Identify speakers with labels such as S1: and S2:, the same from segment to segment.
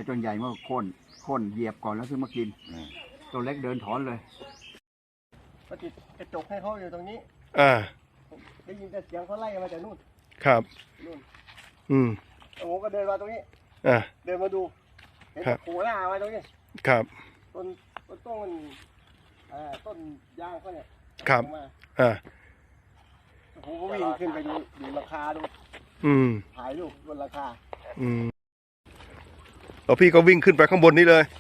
S1: อ้ต้นใหญ่เมื่อโค่นเหยียบก่อนแล้วซื้อมากินตัวเล็กเดินถอนเลยก็ติดกระจกให้เขาอยู่ตรงนี้ได้ยินแต่เสียงเขาไล่มาจากนู่น
S2: ครับ
S1: นู่นผมก็เดินมาตรงนี้เดินมาดูเห็นโผล่หน้ามาตรงนี้
S2: ครับ
S1: ต้นต้นยางเขาเนี่ย
S2: ครับ
S1: ผมก็วิ่งขึ้นไปดูราคาดูถ่ายรูปบนราคา
S2: แล้วพี่ก็วิ่งขึ้นไปข้างบนนี้เลย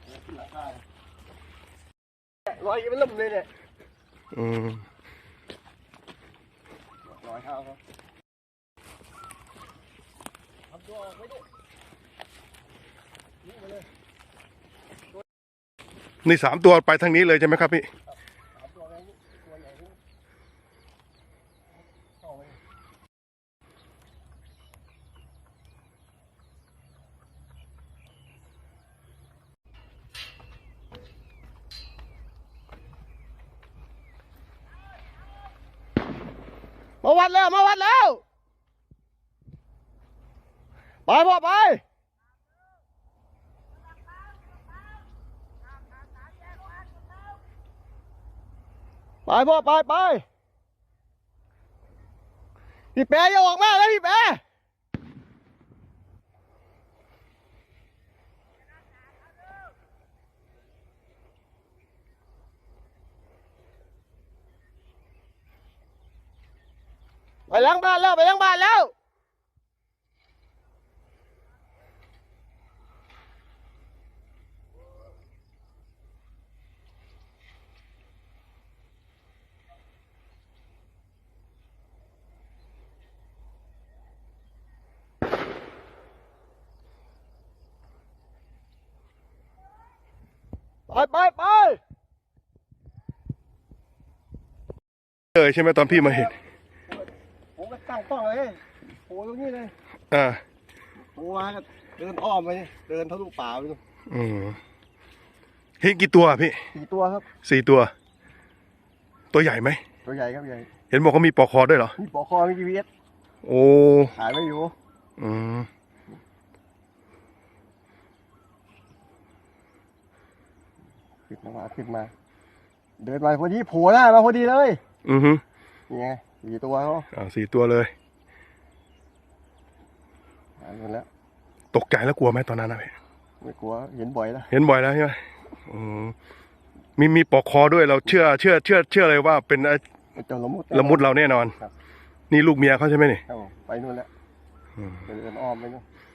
S1: รอยมันล่มเลยเนี่ยรอยเท้าเขาทำตัวออกไว้ดิ
S2: นี่3 ตัวไปทางนี้เลยใช่ไหมครับพี่
S1: มาวัดแล้วไปพ่อไปพ่อไปพี่แปะอย่าออกมาเลยพี่แปะไปล้างบ้านแล้วไป
S2: เลยใช่ไหมตอนพี่มาเห็น
S1: ผมก็ตั้งกล้องเลยโผล่ตรงนี้เลยโผล่มาก็เดินอ้อมไปเดินทะลุป่าไปดู
S2: เห็นกี่ตัวพี่
S1: 4 ตัวครับ
S2: 4 ตัวตัวใหญ่ไหม
S1: ตัวใหญ่ครับใหญ่
S2: เห็นบอกว่ามีปลอกคอด้วยเหรอ
S1: มีปลอกคอมี GPS
S2: โอ้
S1: ถ่ายไว้อยู่ขึ้นมาเดินมาพอดีโผล่หน้ามาพอดีเลยนี่ไง4 ตัวเขา
S2: 4 ตัวเลย
S1: หายหมดแล้ว
S2: ตกใจแล้วกลัวไหมตอนนั้นนะพี่
S1: ไม่กลัวเห็นบ่อยแล้ว
S2: ใช่ไหมมีปลอกคอด้วยเราเชื่อเลยว่าเป็น
S1: เจ้า
S2: ละมุดเราแน่นอนนี่ลูกเมียเขาใช่ไหมนี่
S1: ไปนู่นแล้วเดินอ้อมไปนู่น